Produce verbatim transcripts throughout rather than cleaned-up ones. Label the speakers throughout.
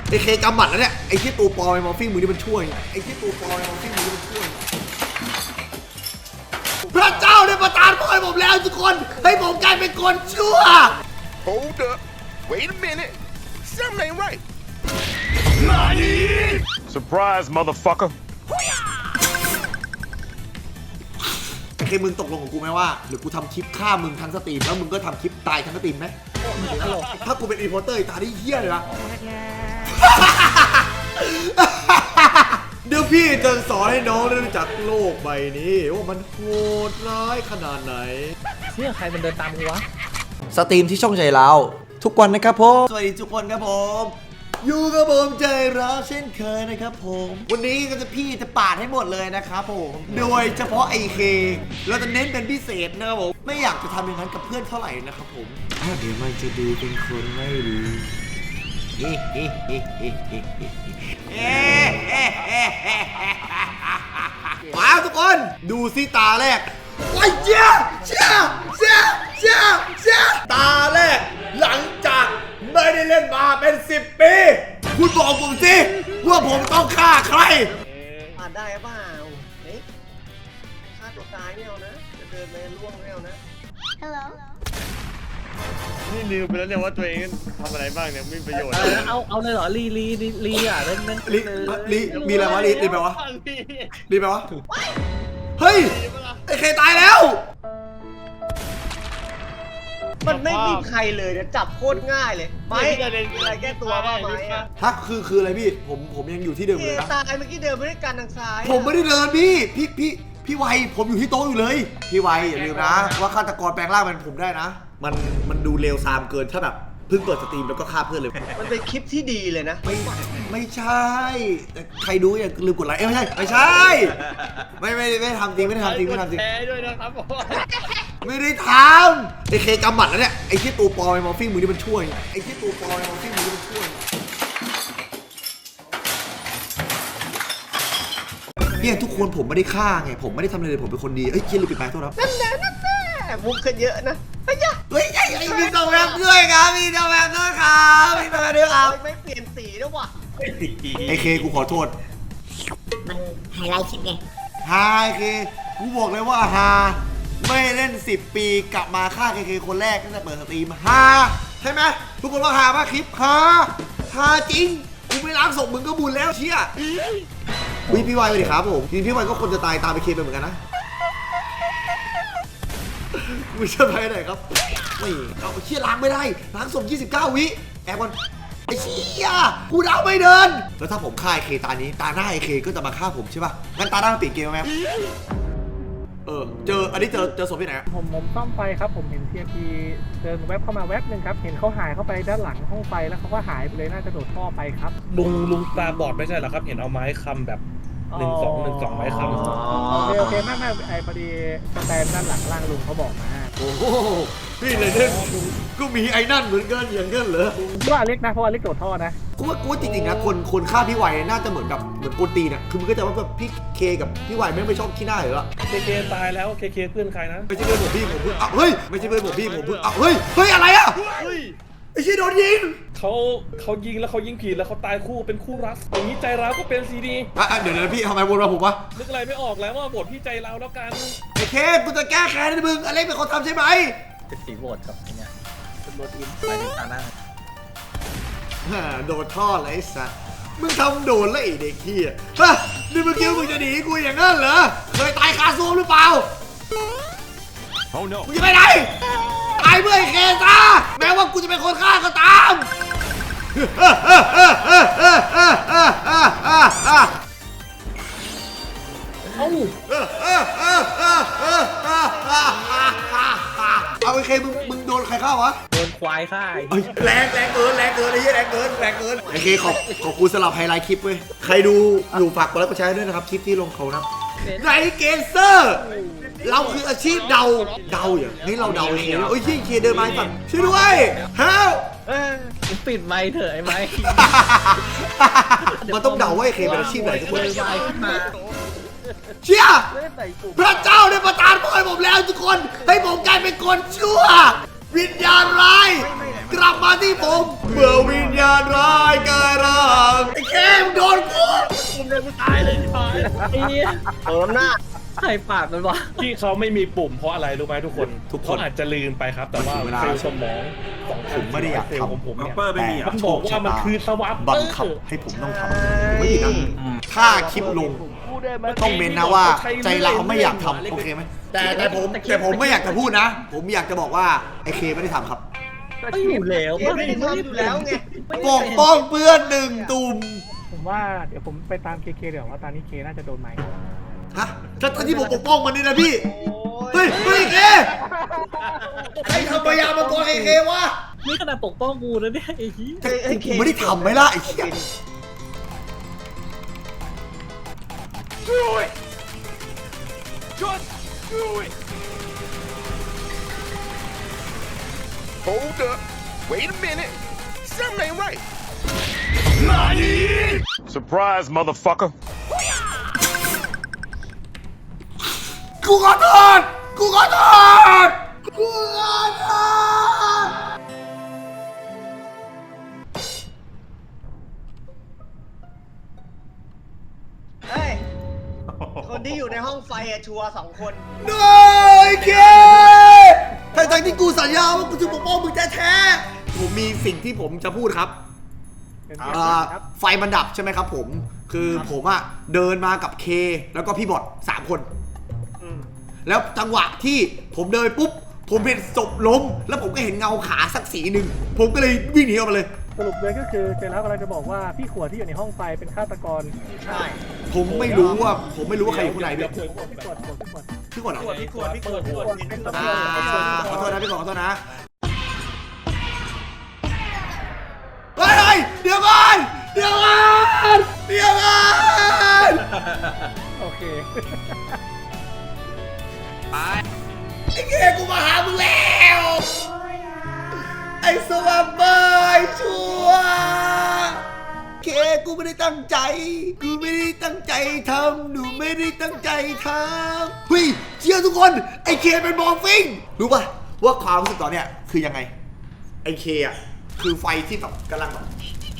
Speaker 1: ไอ้เคกำหมัดแล้วเนี่ยไอ้ที่ตัวปอไอ้มอฟฟี่มือนี่มันช่วยไอ้ที่ตัวปอไอ้มอฟฟี่มือนี่มันช่วยพระเจ้าได้ประทานพรให้ผมแล้วทุกคนให้ผมกลายเป็นคนชั่ว
Speaker 2: Hold up. Wait a minute. Something ain't right. Surprise, motherfucker.
Speaker 1: โอเคมึงตกลงกับกูไหมว่าหรือกูทำคลิปฆ่ามึงทั้งสตรีมแล้วมึงก็ทำคลิปตายทั้งสตรีมไหมถ้ากูเป็นอีโพเตอร์ตาได้เหี้ยเลยนะเดี๋ยวพี่จะสอนให้น้องได้รู้จักโลกใบนี้ว่ามันโหดร้ายขนาดไหน
Speaker 3: เชี่ยใครมันเดินตามกูวะ
Speaker 1: สตรีมที่ช่องใจเราทุกวันนะครับผมสวัสดีทุกคนครับผมอยู่กับผมใจร้าวเช่นเคยนะครับผมวันนี้ก็จะพี่จะปาดให้หมดเลยนะครับผมโดยเฉพาะไอเคเราจะเน้นเป็นพิเศษนะครับผมไม่อยากจะทำอย่างนั้นกับเพื่อนเท่าไหร่นะครับผมเดี๋ยวมันจะดูเป็นคนไม่ดีมาทุกคนดูซิตาแรกว้ายเจ้าเจ้าเจ้าเจ้าเจ้าตาแรกหลังจากไม่ได้เล่นมาเป็นสิบปีคุณบอกผมสิว่าผมต้องฆ่าใคร
Speaker 4: ผ่านได้เปล่าเฮ้ยฆ่าตัวตายไม่เอานะจะเดินไปล่วงไม่เอานะ
Speaker 5: Hello
Speaker 6: นี่ลืมไปแล้วเนี่ยว่าตัวเองทำอะไรบ้างเนี่ยไม่มีประโยชน์
Speaker 3: เอาเอาเลยเหรอลีลีลีลีอ่ะเล่นเล่น
Speaker 1: ลิลิมีอะไรวะลิลิแปลวะลิแปลวะเฮ้ยไอ้เคตายแล้ว
Speaker 4: มันไม่มีใครเลยเนี่ยจับโคตรง่ายเลยไม่อะไรแก้ตัวบ้างไหมอะ
Speaker 1: ฮะคือคืออะไรพี่ผมผมยังอยู่ที่เดิม
Speaker 4: เค
Speaker 1: เลยนะ
Speaker 4: ตายเมื่อกี้เดินไม่ได้กันทางซ้าย
Speaker 1: ผมไม่ได้เดินพี่พี่พี่พี่ไวผมอยู่ที่โต๊ะอยู่เลยพี่ไวอย่าลืมนะว่าฆาตกรแปลงร่างเป็นผมได้นะ มันมันดูเลวซามเกินถ้าแบบเพิ่งเปิดสตรีมแล้วก็ฆ่าเพื่อนเลย
Speaker 4: มันเป็นคลิปที่ดีเลยนะ
Speaker 1: ไม่ไม่ใช่แต่ใครดูอย่าลืมกดไลค์เอ้ยไม่ใช่ไม่ใช่ ไม่ไม่ไม่ทำจริงไม่ได้ทำจริงไม่ทำจริง
Speaker 6: แชร์ด้วยนะครับผม
Speaker 1: ไม่ได้ทำไอ้เคกำหมัดแล้วเนี่ยไอ้ที่ตัวปอไอ้มอฟฟี่มือนี่มันช่วยไอ้ที่ตัวปอไอ้มอฟฟี่มือนี่มันช่วยเนี่ยทุกคนผมไม่ได้ฆ่าไงผมไม่ได้ทำอะไรเลยผมเป็นคนดีเอ้ยเคียนลืมปิดไมค์โทษครับ
Speaker 4: นั่นแหละนั่นแหละมุกขึ้นเยอะนะไอ้ยะ
Speaker 1: เฮ้ยไอ้ไอ้มีตัวแวบด้วยครับมีตัวแวบด้วยครับมีตัวแวบด้วยครับ
Speaker 4: ไม่เปลี่ยนสีแล้วว่ะ
Speaker 1: ไอ้เคกูขอโทษ
Speaker 5: มันไฮไลท์คลิปไง
Speaker 1: ฮาไอ้เคกูบอกเลยว่าฮาไม่เล่นสิบปีกลับมาฆ่าเคเคคนแรกตั้งแต่เปิดสตรีมฮาใช่ไหมทุกคนว่าฮาป่ะคลิปฮาฮาจริงกูไม่ล้างศพมึงก็บุญแล้วเชี่ยวิพี่วายไปดิครับผมจริงพี่วายก็คนจะตายตามไปเคไปเหมือนกันนะกูจะไปไหนครับไม่เอาเชี่ยล้างไม่ได้ล้างศพยี่สิบเก้าวิแอบก่อนไอ้เชี่ยกูดาวไม่เดินแล้วถ้าผมฆ่าไอ้เคตานี้ตาหน้าไอ้เคก็จะมาฆ่าผมใช่ป่ะงั้นตาหน้ามันเปลี่ยนเกมไหมเออเจออันนี้เจอเจอศพที่ไหน
Speaker 3: ผมผมซ่อมไฟครับผมเห็นเทียพีเดินแวบเข้ามาแวบหนึ่งครับเห็นเขาหายเข้าไปด้านหลังห้องไฟแล้วเขาก็หายไปเลยน่าจะโดดท่อไปครับ
Speaker 6: ลุงลุงตาบอดไม่ใช่เหรอครับ เห็นเอาไม้คำแบบหนึ่งสองหนึ่งสองไม้คำ
Speaker 3: โอเคโอเคมากมากไอพอดีสแตนด้านหลังล่างลุงเขาบอกมา
Speaker 1: โอ้โหพี่เลยเนี่ยก็มีไอ้นั่นเหมือนกันอย่างนั้นเหรอ
Speaker 3: ว่าอเล็กนะเพราะอเล็กโดดท่อนะ
Speaker 1: กูว่ากูว่าจริงๆนะคนคนฆ่าพี่ไวน่าจะเหมือนกับเหมือนโกนตีนอ่ะคือมันก็จะว่าแบบพี่เคกับพี่ไวไม่ไม่ชอบขี้หน้าอยู่แล้ว
Speaker 6: เคเคตายแล้วเคเคเพื่อนใครนะ
Speaker 1: ไม่ใช่เพื่อนผมพี่ผมเพิ่งอ้าวเฮ้ยไม่ใช่เพื่อนผมพี่ผมเพิ่งอ้าวเฮ้ยเฮ้ยอะไรอ่ะ
Speaker 6: เฮ้ย
Speaker 1: ไอ้ชี้โดนยิง
Speaker 6: เขาเขายิงแล้วเขายิงผิดแล้วเขาตายคู่เป็นคู่รักอย่างนี้ใจร้าวก็เป็นซีดี
Speaker 1: อ่ะอ่ะเดี๋ยวเดี๋ยวพี่ทำไมวนมาผมวะ
Speaker 6: นึกอะไรไม่ออกแล้วว่าบทพี่ใจร้าวแล้วกัน
Speaker 1: ไอ้เคกูจะแก้แค้นให้มึงอเล็กเป็นคนทำใช่ไหม
Speaker 3: เป็นสีโหวตครับเนี่ยเป็นโหวตอินไปในตาหน้า
Speaker 1: ฮ่าโดนท่อเลยไอ้สัสมึงทำโดนแล้วไอ้เด็กเหี้ยฮะนี่มึงคิดว่ามึงจะหนีกูอย่างนั้นเหรอเคยตายคาซูมหรือเปล่า
Speaker 2: Oh no.
Speaker 1: มึงจะไปไหนตายเมื่อไอ้เคซะแม้ว่ากูจะเป็นคนฆ่าก็ตาม
Speaker 3: เอ้า
Speaker 1: เอาไอ้เคมึงมึงโดนใครฆ่าวะ
Speaker 3: โดนควายฆ่า
Speaker 1: เอ้ยแรงแรงเกินแรงเกินไอ้เหี้ยแรงเกินแรงเกินไอ้เคขอบขอบคุณสำหรับไฮไลท์คลิปเว้ยใครดูอยู่ฝากกดไลค์กดแชร์ด้วยนะครับคลิปที่ลงเขานะไนเกเซอร์เราคืออาชีพเดาเดาอย่างนี้เราเดาไอ้เคโอ้ยเชี่ยเคเดินมาสั่งช่วยด้วยเฮ้ย
Speaker 3: เออปิดไมค์เถอะไอ้ไมค์
Speaker 1: มันต้องเดาว่าไอ้เคเป็นอาชีพไหนทุกคน
Speaker 3: เลยไมค์ขึ้นมา
Speaker 1: เชี่ย
Speaker 3: เล่นใส่กลุ่ม
Speaker 1: พระเจ้าได้ประทานพรให้ผมแล้วทุกคนให้ผมกลายเป็นคนชั่ววิญญาณร้ายกลับมาที่ผมเมื่อวิญญาณร้ายกลายร่างไอ้แคมโดนกู
Speaker 6: ผมเลยกูตายเลยที่ตาย
Speaker 7: ไอ้เนี่ย
Speaker 4: เติมหน้า
Speaker 7: ใครปากมันวะ
Speaker 6: ที่เขาไม่มีปุ่มเพราะอะไรรู้ไหมทุกคนเขาอาจจะลืมไปครับ แต่ว่าเซลล์สมองของ
Speaker 1: ผมไม่ได้อยาก
Speaker 6: เซล
Speaker 1: ท
Speaker 6: ล์ของผม
Speaker 1: ำ
Speaker 6: เนี่ย
Speaker 1: แต่
Speaker 6: มันบอกว่ามันคือสวัสดิ์
Speaker 1: บังคับให้ผมต้องทำไม่ผิดนะถ้าคลิปลงต้องเมนนะว่าใจเราไม่อยากทำโอเคไหมแต่แต่ผมแต่ผมไม่อยากจะพูดนะ ผมอยากจะบอกว่าไอเคไม่ได้ทำครับ
Speaker 7: ไม่อยู่แล้ว
Speaker 4: เอ๊ะไม่ได้ทำอยู่แล้วไง
Speaker 1: ปกป้องเพื่อนหนึ่งตุ่ม
Speaker 3: ผมว่าเดี๋ยวผมไปตามเคเคเดี๋ยวว่าตอนนี้เคน่าจะโดนไหม
Speaker 1: ฮะถ้าที่ผมปกป้องมันนี่นะพี่ เฮ้ยเฮ้ยเคใครทำพยายามมาตัวไอเควะ
Speaker 7: นี่ขนาดปกป้องกูนะเนี่ยไอ้เหี้ย
Speaker 1: แต่กูไม่ได้ทำไหมล่ะไอ้เหี้ย
Speaker 2: Do it! Just do it! Hold up. Wait a minute. Something ain't right. Nani? Surprise, motherfucker.
Speaker 1: กูขอโทษกูขอโทษกูขอโทษ
Speaker 4: เฮ้ย คนที่อยู่ในห้องไฟอะชัวร์สองคน
Speaker 1: โดยเคทั้งทั้งที่กูสัญญาว่ากูจะปกป้องมึงแท้ๆผมมีสิ่งที่ผมจะพูดครับ
Speaker 3: เป็น
Speaker 1: เอ่อ
Speaker 3: ครับ
Speaker 1: ไฟมันดับใช่ไหมครับผม คือผมอะเดินมากับเคแล้วก็พี่บอดสามคน แล้วจังหวะที่ผมเดินปุ๊บ ผมเห็นศพล้ม แล้วผมก็เห็นเงาขาสักสีหนึ่ง ผมก็เลยวิ่งหนีออกมาเลย
Speaker 3: สรุปเลยก็คือเจนแล้วกำลังจะบอกว่าพี่ขวดที่อยู่ในห้องไฟเป็นฆาตกร
Speaker 4: ใช่
Speaker 1: ผมไม่รู้ว่า ผมไม่รู้ว่าใครอยู่ข้างในด้วย
Speaker 3: พี่ขวดพี่ขวดพี่ขวด
Speaker 1: พี่ก่อนเหรอ
Speaker 4: พี่ขวดพี่ขวดพี่ขวดเป็น
Speaker 1: อ่าขอโทษนะพี่ก่อนขอโทษนะเฮ้ยเฮ้ยเดี๋ยวก่อนเดี๋ยวก่อนเดี๋ยวก่อน
Speaker 3: โอเค
Speaker 1: ไอ้เกกูมาหามึงแล้วไอ้สวัสดิ์เบยชัวร์เคกูไม่ได้ตั้งใจกูไม่ได้ตั้งใจทำหนูไม่ได้ตั้งใจทำเฮ้ยเชื่อทุกคนไอ้เคเป็นมอร์ฟิงรู้ป่ะว่าความรู้สึกตอนเนี้ยคือยังไงไอ้เคอ่ะคือไฟที่แบบกำลังแบบ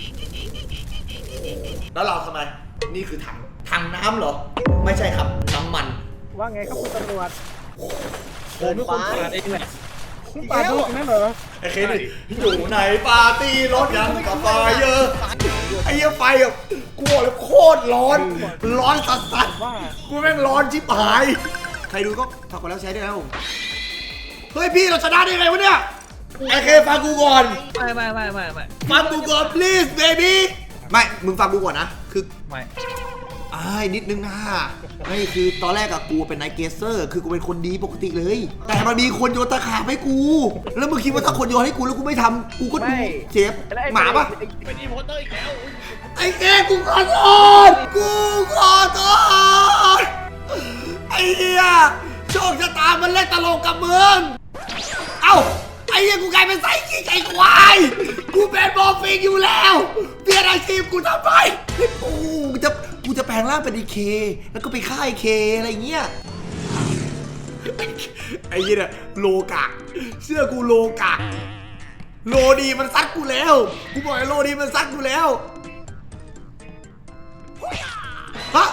Speaker 1: แล้วเราทำไมนี่คือถังถังน้ำเหรอไม่ใช่ครับน้ำมัน
Speaker 3: ว่าไงครับคุณตำรวจ
Speaker 7: ผมเป็นคนปาดเองแหละ
Speaker 3: คุณปาดลูกนั่นเหรอ
Speaker 1: ไอ้เคนี่อยู่ในปาร์ตี้รถยังกับไฟเยอะไอ้เหี้ยไฟอ่ะกูบอกเลยโคตรร้อน ร้อนสัสสัส
Speaker 3: ว่า
Speaker 1: กูแม่งร้อนชิบหาย ใครดูก็ฝากกดแล้วแชร์ด้วยนะผมเฮ้ยพี่เราชนะได้ไงวะเนี่ยไอ้เคฟังกูก่อน
Speaker 7: ไม่ไม่ไม่ไม่ไม่
Speaker 1: ฟังกูก่อน please baby ไม่มึงฟังกูก่อนนะคือ
Speaker 7: ไม่
Speaker 1: อ้ายนิดนึงนะไม่คือตอนแรกอะกูเป็นไนท์เกสเซอร์คือกูเป็นคนดีปกติเลย แต่มันมีคนโยนตะขาบให้กู แล้วมึงคิดว่าถ้าคนโยนให้กูแล้วกูไม่ทำกูก็ดูเจ็บหมาปะ
Speaker 6: เป็นอีโพเตอร์อีกแล้ว
Speaker 1: ไอ้แกกูขอโทษกูขอโทษไอ้เหี้ยโชคชะตามันเล่นตลกกับมึงเอ้าไอ้เหี้ยกูกลายเป็นไส้ขี้ไก่ควายกูเป็นบอฟิงอยู่แล้วเปลี่ยนอาชีพกูทำไมกูจะกูจะแปลงร่างเป็นไอเค แล้วก็ไปฆ่าไอเคอะไรเงี้ยไอ้เหี้ยเนี่ยโลกะเชื่อกูโลกะโลดีมันซัดกูแล้วกูบอกไอ้โลดีมันซัดกูแล้วฮะ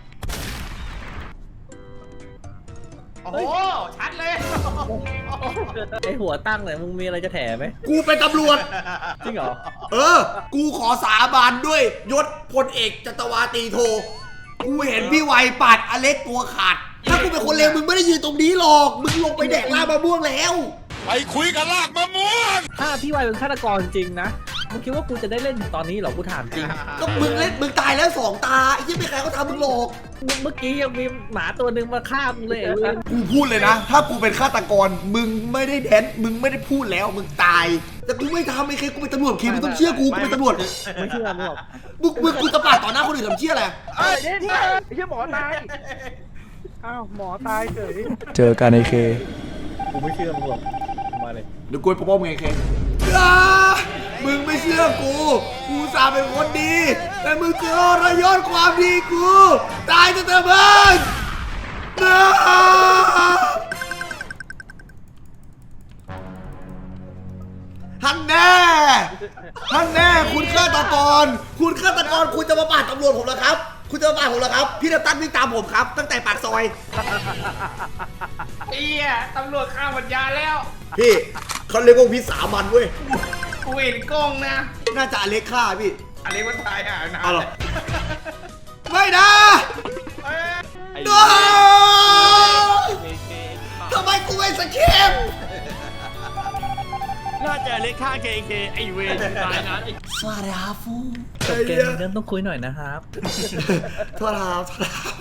Speaker 6: โอ้โห ชัดเลย
Speaker 7: ไอหัวตั้งเลยมึงมีอะไรจะแถไหม
Speaker 1: กูเป็นตำรวจ
Speaker 7: จริงเหรอ
Speaker 1: เออ กูขอสาบานด้วยยศพลเอกจัตวาตรีโท กูเห็นพี่ไวปาดอเล็กตัวขาด ถ้ากูเป็นคนเลวมึงไม่ได้ยืนตรงนี้หรอก มึงลงไปแดกลาบมะม่วงแล้ว
Speaker 2: ไปคุยกันลากมะม่วง
Speaker 7: ถ้าพี่วายเป็นฆาตกรจริงนะมึงคิดว่ากูจะได้เล่นถึงตอนนี้เหรอกูถามจริง
Speaker 1: ก็มึงเล่นมึงตายแล้วสองตาไอ้ยี่ไม่ใครเขาทำมึงหรอก
Speaker 7: มึงเมื่อกี้ยังมีหมาตัวหนึ่งมาฆ่ามึงเลยไอ้เว้ย
Speaker 1: กูพูดเลยนะ ถ้ากูเป็นฆาตกร มึงไม่ได้แดนมึงไม่ได้พูดแล้ว มึงตาย แต่กูไม่ทำไอ้เคกูเป็นตำรวจเคมึงต้องเชื่อกู กูเป็นตำรวจ
Speaker 7: ไม่เชื่อมึงหรอก
Speaker 1: มึงมึงกูจะปาดต่อหน้าคนอื่นทำเชี่ยอะไร
Speaker 3: เอ้ยเนี่ยไอ้เหี้ยหมอตาย อ้าวหมอตายเฉย
Speaker 8: เจอกันไอเค
Speaker 7: กูไม่เชื่อมึงหรอกมาเลย
Speaker 1: เดี๋ยวกูไปปกป้องมึงไงเคอ่ามึงไม่เชื่อกู กูสาเป็นคนดี แต่มึงเจอระยศความดีกู ตายจะเถอะมึงนะกร คุณฆาตกรคุณจะมาปาดตำรวจผมเหรอครับ คุณจะมาปาดผมเหรอครับ พี่น้ำตาลวิ่งตามผมครับ ตั้งแต่ปากซอย
Speaker 8: เอี้ยตำรวจข้ามปัญญาแล้ว
Speaker 1: พี่เขาเรียกว่าวิสามันเว้ย
Speaker 8: กูเห็นกล้องนะ
Speaker 1: น่าจะอเล็กฆ่าพี่
Speaker 8: อะไรวะตายอ่ะนะ
Speaker 1: เอาเหรอ ไม่นะ
Speaker 8: เอ้ย
Speaker 1: โนทำไมกูไม่สเกม
Speaker 9: น่าจะเล็กข้าง เค เค ไอเวรตายนะ
Speaker 1: สวัสดีครับฟู
Speaker 7: จบเกมเรื่องต้องคุยหน่อยนะครับ
Speaker 1: โทษครับโทษครับ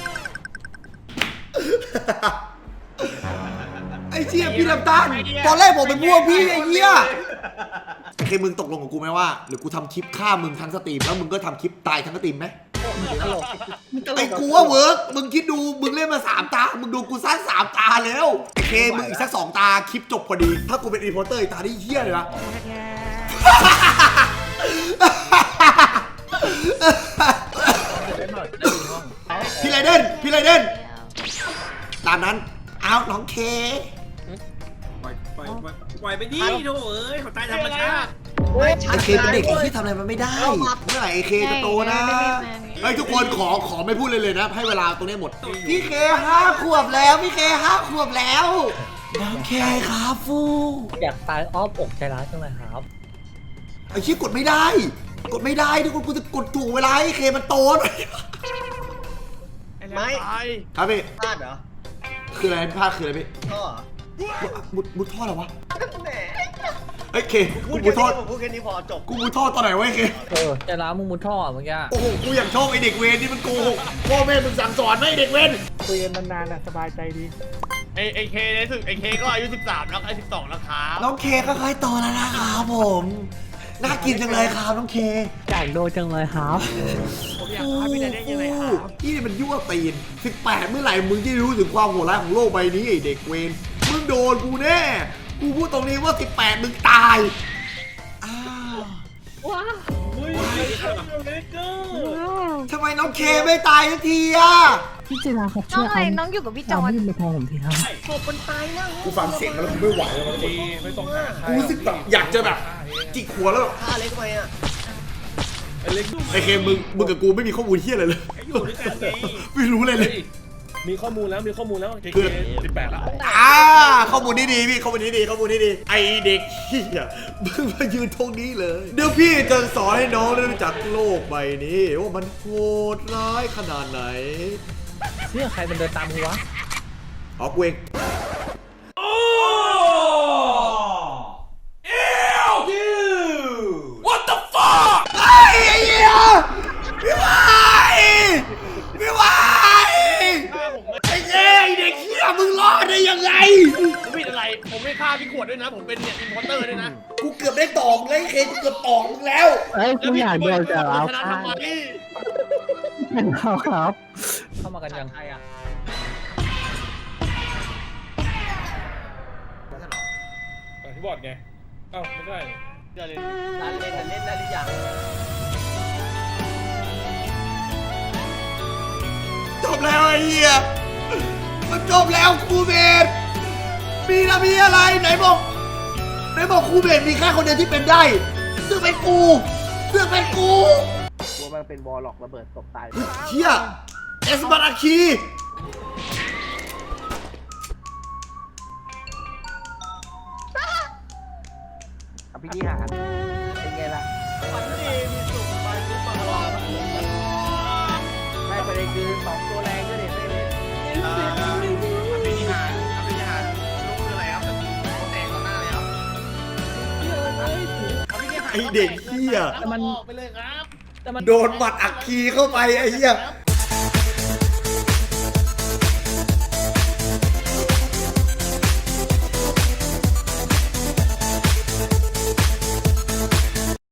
Speaker 1: ไอ้เจี๊ยพี่น้ำตาลตอนแรกผมเป็นพวกพี่ไอ้เหี้ยโอเคมึงตกลงกับกูไหมว่าหรือกูทำคลิปฆ่ามึงทั้งสตรีมแล้วมึงก็ทำคลิปตายทั้งสตรีมไหมไอ้กูว่าเวิร์กมึงคิดดูมึงเล่นมาสามตามึงดูกูสร้างสามตาแล้วโอเคมึงอีกสักสองตาคลิปจบพอดีถ้ากูเป็นรีพอร์เตอร์อีกตาได้เหี้ยเลยนะพี่ไรเดนพี่ไรเดนตามนั้นเอาน้องเค
Speaker 9: ปล่อยปล่อยปล่อยปล่อยไปดิโถ่เอ้ยเขาตายธรรมชาติ
Speaker 4: เฮ้ย
Speaker 1: ไอเคเป็นเด็กไอ้ที่ทำอะไรมันไม่ได้เมื่อไหร่ไอเคจะโตนะไอ้ยทุกคนขอขอไม่พูดเลยเลยนะให้เวลาตรงนี้หมดพี่เคห้าขวบแล้วพี่เคห้าขวบแล้วน้องเคครับฟู
Speaker 7: อยากตายอ้อมอกใจร้ายจังเลยครับ
Speaker 1: ไอ้ชี้กดไม่ได้ กดไม่ได้ทุกคนกูจะกดถูกเวลาไอเคมันโตหน่อย
Speaker 4: ไม่
Speaker 1: ครับพี่
Speaker 4: พลาดเหรอ
Speaker 1: คืออะไรพลาดคืออะไรพี่
Speaker 4: ท่อ
Speaker 1: มุดมุดท่อเหรอวะ
Speaker 4: แหม
Speaker 1: ไอ้ยเค
Speaker 4: พู
Speaker 1: กู
Speaker 4: ด
Speaker 1: มุ
Speaker 4: แค่
Speaker 1: ดท่อ
Speaker 4: นี้ผมพูดแค่นี้พอจบ
Speaker 1: กูมุดท่อตอนไหนวะไอ้เค
Speaker 7: เออใจร้ายมึงมุดท่อเมื่อกี้
Speaker 1: โอ้โหกูอย่างชอบไอเด็กเวรนี่มันโกหกพ่อแม่มึงสั่งสอนไหมไอ้เด็กเวร
Speaker 3: คุยกันนานๆน่ะสบายใจดี
Speaker 9: ไอไอเคในสุดไอเคก็อายุสิบสามแล้วไอสิบสองแล้วครับ
Speaker 1: น้องเคก็ค่อยโตแล้วนะครับผม น่ากินจังเลยครับน้องเค
Speaker 3: อยากโดนจังเลยครับ
Speaker 9: ผมอยากให้พี่ได้ได้ยังไงครับ
Speaker 1: นี่มันยั่วตีนสิบแปดเมื่อไหร่มึงจะรู้ถึงความโหดร้ายของโลกใบนี้ไอเด็กเวรมึงโดนกูแน่ กูพูดตรงนี้ว่าสิบแปดมึงตาย อ้าว ทำไมน้องเคไม่ตายสักทีอ่ะ
Speaker 5: พี่จิราครับช่วยเอาน้องอยู่กับพี่จอน
Speaker 7: ยื่นไปทองผมทีครับ
Speaker 4: ศพมันตายแล้ว
Speaker 1: กูฟังเสียงแล้วกูไม่ไหวแล้วมัน
Speaker 6: ดีไม่ต้องหาใคร
Speaker 1: กูรู้สึกแบบอยากจะแบบจิกหัวแล้วแบบ
Speaker 4: ฆ่าเล็กทำไมอ่ะ
Speaker 6: ไอเล็ก
Speaker 1: ไอเคมึงมึงกับกูไม่มีข้อมูลเที่ยอะไรเลย
Speaker 9: อยู่ด้วยกันไง
Speaker 1: ไม่รู้เลยเลย
Speaker 6: มีข้อมูลแล้วมีข้อมูลแล้วเค
Speaker 1: คือ
Speaker 6: เคสิบแปดแล้ว
Speaker 1: อ่าข้อมูลนี้ดีพี่ข้อมูลนี้ดีข้อมูลนี้ดีไอเด็กเฮียมึงมายืนตรงนี้เลย เดี๋ยวพี่จะสอนให้น้องได้รู้จักโลกใบนี้ว่ามันโหดร้ายขนาดไหน
Speaker 7: เรื่องใครมันเดินตามกูวะ
Speaker 1: เอากูเอง
Speaker 9: What the fuck
Speaker 1: ไอ้ไอ้เหี้ยพี่วายพี่วายไอ้เหี้ยไอ้เด็กเหี้ยมึงรอดได้ยังไง
Speaker 9: ผมผิดอะไร ผมไม่ฆ่าพี่ขวดด้วยนะ ผมเป็นเนี่ยอินพอร์เตอร์ด้วยนะ
Speaker 1: กูเกือบได้ตอกเลยเคกูเกือบตอกมึงแล้ว
Speaker 3: เอ้ยกูอยากโดนจะเอา
Speaker 9: ชนะ
Speaker 3: ฆ่า
Speaker 9: ทำไม
Speaker 3: เป็นเขาครับ
Speaker 7: เข้ามากันยัง
Speaker 4: ใครอ่ะ
Speaker 6: ที่บอร์ดไงเอ้าไม่ได้นี่
Speaker 4: เดี๋ยวเลยร้านเล่นน่ะเล่นได้หรือยัง
Speaker 1: จบแล้วไอ้เหี้ยมันจบแล้วครูเบสมีนะมีอะไรไหนบอกไหนบอกครูเบสมีแค่คนเดียวที่เป็นได้ซึ่งเป็นกูซึ่งเป็นกู
Speaker 3: กลัวมันเป็นวอลล็อกระเบิดตกตาย
Speaker 1: เฮียเอสบาราคี
Speaker 3: อภินิหารเป็นไงล่ะ
Speaker 4: มันดีมีสุขไปทุกปลา
Speaker 3: ไม่ประเด็นคือสองตัวแรงก็เด็ดไม่เล่น
Speaker 8: อภินิหารอภินิหารลูกคืออะไรครับโคแตกต่อหน้าเลยครับอภินิหาร
Speaker 1: ไอเด็กเฮีย
Speaker 9: มันออกไปเลยครับ
Speaker 7: แต่มัน
Speaker 1: โดนหมัดอักคีเข้าไปไอ้เฮีย
Speaker 9: ครับ